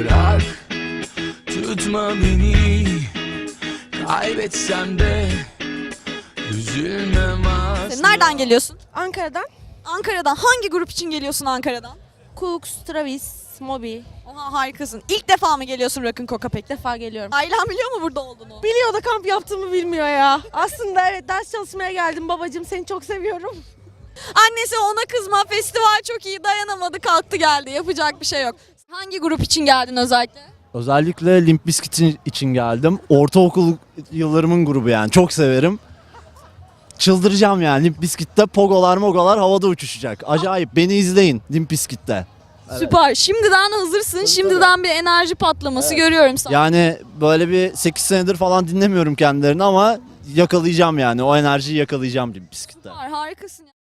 bırak, tutma beni. Kaybetsem de üzülmem asla. Nereden geliyorsun? Ankara'dan. Ankara'dan. Hangi grup için geliyorsun Ankara'dan? Cooks, Travis, Moby. Oha, harikasın. İlk defa mı geliyorsun Rock'n Coca pek? İlk defa geliyorum. Ailen biliyor mu burada olduğunu? Biliyor da kamp yaptığımı bilmiyor ya. Aslında evet, ders çalışmaya geldim. Babacığım seni çok seviyorum. Annesi ona kızma, festival çok iyi, dayanamadı, kalktı geldi. Yapacak bir şey yok. Hangi grup için geldin özellikle? Özellikle Limp Bizkit için geldim. Ortaokul yıllarımın grubu yani. Çok severim. Çıldıracağım yani. Limp Bizkit'te pogolar mogolar havada uçuşacak. Acayip. Beni izleyin Limp Bizkit'te. Süper. Şimdiden hazırsın. Şimdiden bir enerji patlaması görüyorum sana. Yani böyle bir 8 senedir falan dinlemiyorum kendilerini ama yakalayacağım yani. O enerjiyi yakalayacağım Limp Bizkit'te. Harikasın.